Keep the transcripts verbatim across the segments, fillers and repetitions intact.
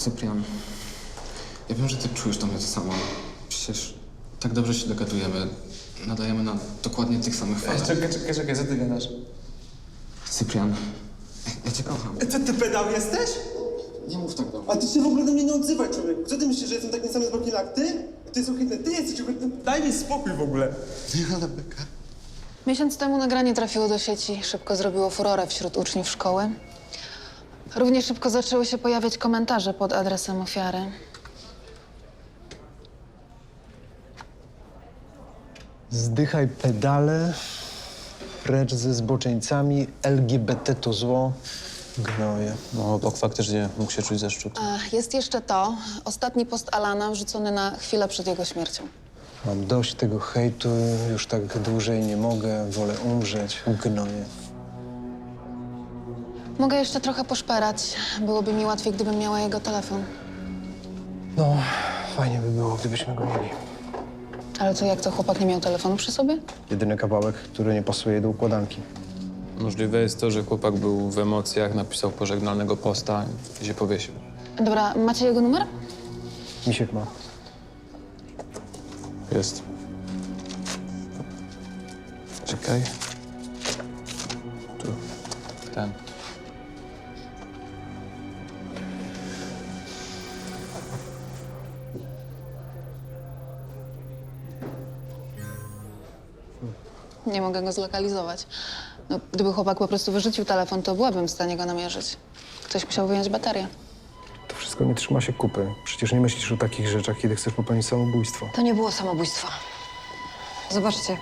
Cyprian, ja wiem, że ty czujesz do mnie to samo. Przecież tak dobrze się dogadujemy. Nadajemy na dokładnie tych samych falach. Czekaj, czekaj, czekaj, co ty gadasz? Cyprian, ja cię kocham. Co, ty pedał jesteś? Nie mów tak do mnie. A ty się w ogóle do mnie nie odzywaj, człowieku. Co ty myślisz, że jestem taki sam zbrodni jak ty? Ty jest ohydny, ty jesteś ohydny. Daj mi spokój w ogóle. Nie, ale beka. Miesiąc temu nagranie trafiło do sieci. Szybko zrobiło furorę wśród uczniów szkoły. Równie szybko zaczęły się pojawiać komentarze pod adresem ofiary. Zdychaj pedale, precz ze zboczeńcami, L G B T to zło, gnoje. No, Bok faktycznie mógł się czuć zaszczut. A jest jeszcze to. Ostatni post Alana wrzucony na chwilę przed jego śmiercią. Mam dość tego hejtu, już tak dłużej nie mogę, wolę umrzeć, gnoje. Mogę jeszcze trochę poszperać. Byłoby mi łatwiej, gdybym miała jego telefon. No, fajnie by było, gdybyśmy go mieli. Ale co, jak to chłopak nie miał telefonu przy sobie? Jedyny kawałek, który nie pasuje do układanki. Możliwe jest to, że chłopak był w emocjach, napisał pożegnalnego posta i się powiesił. Dobra, macie jego numer? Misiek ma. Jest. Czekaj. Tu. Ten. Nie mogę go zlokalizować. No, gdyby chłopak po prostu wyrzucił telefon, to byłabym w stanie go namierzyć. Ktoś musiał wyjąć baterię. To wszystko nie trzyma się kupy. Przecież nie myślisz o takich rzeczach, kiedy chcesz popełnić samobójstwo. To nie było samobójstwo. Zobaczcie.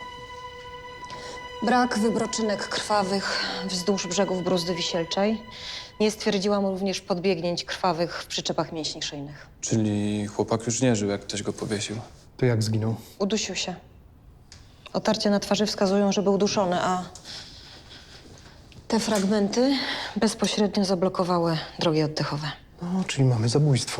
Brak wybroczynek krwawych wzdłuż brzegów Bruzdy Wisielczej. Nie stwierdziłam również podbiegnięć krwawych w przyczepach mięśni szyjnych. Czyli chłopak już nie żył, jak ktoś go powiesił. To jak zginął? Udusił się. Otarcia na twarzy wskazują, że był duszony, a te fragmenty bezpośrednio zablokowały drogi oddechowe. No, czyli mamy zabójstwo.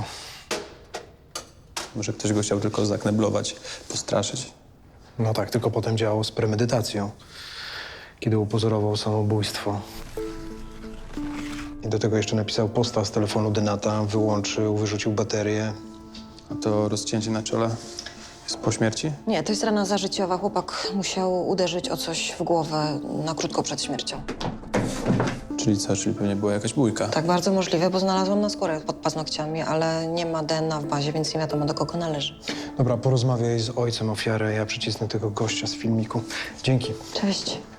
Może ktoś go chciał tylko zakneblować, postraszyć. No tak, tylko potem działał z premedytacją, kiedy upozorował samobójstwo. I do tego jeszcze napisał posta z telefonu Denata, wyłączył, wyrzucił baterię. A to rozcięcie na czole jest po śmierci? Nie, to jest rana zażyciowa. Chłopak musiał uderzyć o coś w głowę na krótko przed śmiercią. Czyli co? Czyli pewnie była jakaś bójka. Tak, bardzo możliwe, bo znalazłam na skórę pod paznokciami, ale nie ma D N A w bazie, więc nie wiadomo, do kogo należy. Dobra, porozmawiaj z ojcem ofiary, ja przycisnę tego gościa z filmiku. Dzięki. Cześć.